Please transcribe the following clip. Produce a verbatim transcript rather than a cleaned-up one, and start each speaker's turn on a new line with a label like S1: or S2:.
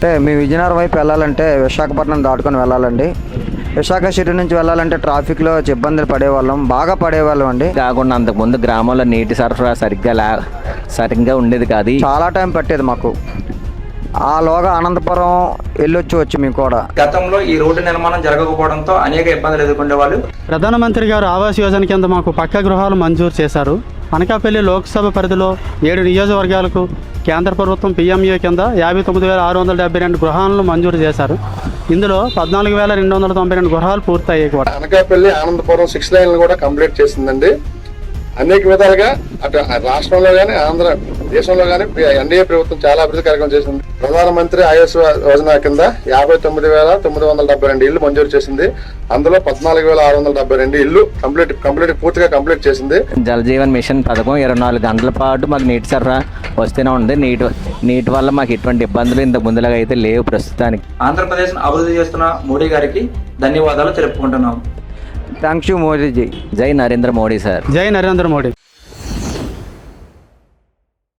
S1: అంటే మీ విజయనగరం వైపు వెళ్ళాలంటే విశాఖపట్నం దాటుకొని వెళ్ళాలండి. విశాఖ సిటీ నుంచి వెళ్ళాలంటే ట్రాఫిక్లో ఇబ్బందులు పడేవాళ్ళం, బాగా పడేవాళ్ళం అండి.
S2: కాకుండా అంతకుముందు గ్రామంలో నీటి సరఫరా సరిగ్గా లే సరిగ్గా ఉండేది కాదు.
S1: చాలా టైం పట్టేది మాకు. ఆలోగా అనంతపురం వెళ్ళొచ్చు వచ్చి మేము కూడా.
S3: గతంలో ఈ రోడ్డు నిర్మాణం జరగకపోవడంతో అనేక ఇబ్బందులు ఎదుర్కొనే వాళ్ళు.
S4: ప్రధానమంత్రి గారు ఆవాస్ యోజన కింద మాకు పక్కా గృహాలు మంజూరు చేశారు. అనకాపల్లి లోక్సభ పరిధిలో ఏడు నియోజకవర్గాలకు కేంద్ర ప్రభుత్వం పీఎంఏ కింద యాభై తొమ్మిది వేల ఆరు వందల డెబ్బై రెండు గృహాలను మంజూరు చేశారు. ఇందులో పద్నాలుగు వేల రెండు వందల తొంభై రెండు గృహాలు పూర్తయ్యాయి కూడా.
S5: అనకాపల్లి ఆనందపురం సిక్స్ లైన్లు కూడా కంప్లీట్ చేసిందండి. అనేక విధాలుగా అటు రాష్ట్రంలో కానీ ఆంధ్ర దేశంలో కానీ ఎన్డీఏ ప్రభుత్వం చాలా అభివృద్ధి కార్యక్రమం చేసింది. ప్రధానమంత్రి ఆవాస్ యోజన కింద యాభై తొమ్మిది వేల తొమ్మిది వందల డెబ్బై రెండు ఇళ్లు మంజూరు చేసింది. అందులో పద్నాలుగు వేల ఆరు వందల డెబ్బై రెండు ఇళ్లు కంప్లీట్ కంప్లీట్ పూర్తిగా కంప్లీట్ చేసింది.
S2: జల్ జీవన్ మిషన్ పథకం ఇరవై నాలుగు గంటల పాటు మాకు నీటి సరఫరా వస్తూనే ఉంది. నీటి నీటి వల్ల మాకు ఎటువంటి ఇబ్బందులు ఇంత ముందులాగా అయితే లేవు ప్రస్తుతానికి.
S3: ఆంధ్రప్రదేశ్ అభివృద్ధి చేస్తున్న మోడీ గారికి ధన్యవాదాలు తెలుపుకుంటున్నాం.
S1: Thanks you మోదీజీ.
S2: జై నరేంద్ర మోడీ సార్.
S4: జై నరేంద్ర మోడీ.